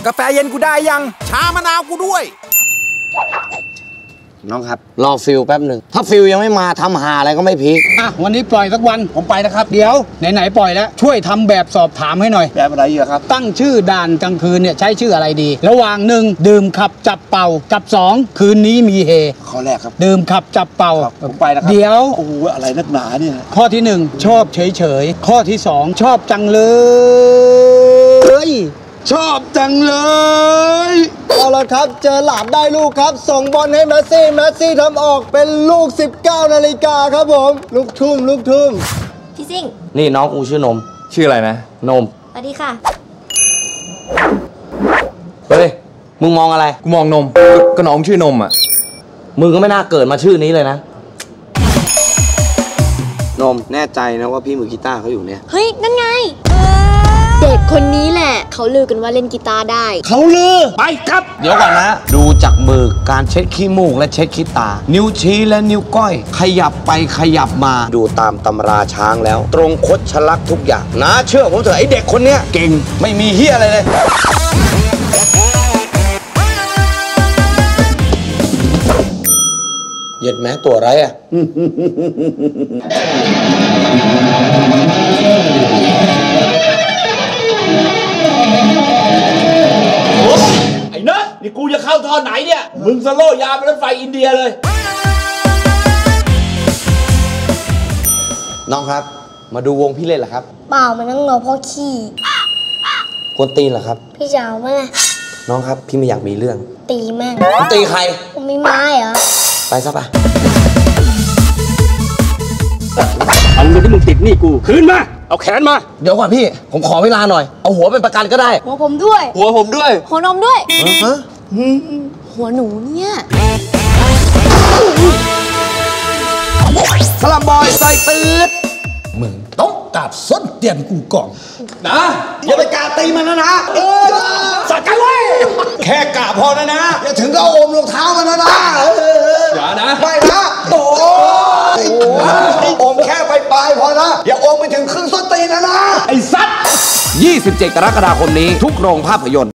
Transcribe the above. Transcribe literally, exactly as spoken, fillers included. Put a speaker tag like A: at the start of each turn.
A: กาแฟเย็นกูได้ยังชามะนาวกูด้วย
B: น้องครับรอฟิลแป๊บหนึ่งถ้าฟิลยังไม่มาทำหาอะไรก็ไม่พีค
C: อ่ะวันนี้ปล่อยสักวันผมไปนะครับเดี๋ยวไหนๆปล่อยแล้วช่วยทำแบบสอบถามให้หน่อย
B: แบบอะไรเยอะครับ
C: ตั้งชื่อด่านกลางคืนเนี่ยใช้ชื่ออะไรดีระหว่างหนึ่งดื่มขับจับเป่ากับสองคืนนี้มีเฮ
B: ข้อแรกครับ
C: ดื่มขับจับเป่า
B: ผมไปนะครับ
C: เดี๋ยว
B: โอ้โหอะไรนักหนาเนี่ย
C: ข้อที่หนึ่งชอบเฉยๆข้อที่สองชอบจังเลย
B: ชอบจังเลย
D: เอาละครับเจอหลาดได้ลูกครับส่งบอลให้แมสซี่แมสซี่ทำออกเป็นลูกสิบเก้านาฬิกาครับผมลูกทุ่มลูกทุ่ม
E: พี่ซิ่ง
B: นี่น้องกูชื่อนม
A: ชื่ออะไรนะ
B: นม
E: สวัสดีค่ะ
B: เฮ้ยมึงมองอะไร
A: กูมองนมก็น้องชื่อนมอ่ะ
B: มึงก็ไม่น่าเกิดมาชื่อนี้เลยนะนมแน่ใจนะว่าพี่มือกีตาร์เขาอยู่เนี่ย
E: เฮ้ยนั่นไงเด็กคนนี้แหละเขาลือกันว่าเล่นกีตาร์ได้
B: เขาลือไปครับเดี๋ยวก่อนนะดูจากมือการเช็ดขี้มูกและเช็ดขี้ตานิ้วชี้และนิ้วก้อยขยับไปขยับมาดูตามตำราช้างแล้วตรงคดชะลักทุกอย่างนะเชื่อผมเถอะไอเด็กคนเนี้ยเก่งไม่มีเหี้ยอะไรเลยเย็ดแม้ตัวไรอ่ะไอ้เนอะนี่กูจะเข้าท่อไหนเนี่ยมึงสโลยาไปรถไฟอินเดียเลยน้องครับมาดูวงพี่เล่นเหรอครับ
E: เปล่ามันนั่งรอพ่อขี้
B: กวนตีนเหรอครับ
E: พี่จะเอาไหม
B: น้องครับพี่ไม่อยากมีเรื่อง
E: ตีแม่ง
B: ตีใคร
E: ผมมีไม้เหรอ
B: ไปซะไป
C: เอาเงินที่มึงติดนี่กูคืนมาเอาแขนมา
B: เดี๋ยวก่อนพี่ผมขอเวลาหน่อยเอาหัวเป็นประกันก็ได้
E: หัวผมด้วย
B: หัวผมด้วย
E: หัวนมด้วยฮะหัวหนูเนี่ย
B: สลัมบอยใส่ตืด
C: มึงต้องกราบส้นเตียนกูก่อน
B: นะอย่าไปกราบตีมันนะนะเออสักกันเลยแค่กราบพอนะนะอย่าถึงก็โอมรองเท้ามันนะนะอย่านะไม่นะโอ้โอมแค่ไปปลายพอนะอย่าโอมไปถึงครึ่งส้นตีนนะนะไอ้สัตว์ยี่สิบเจ็ดกรกฎาคมนี้ทุกโรงภาพยนตร์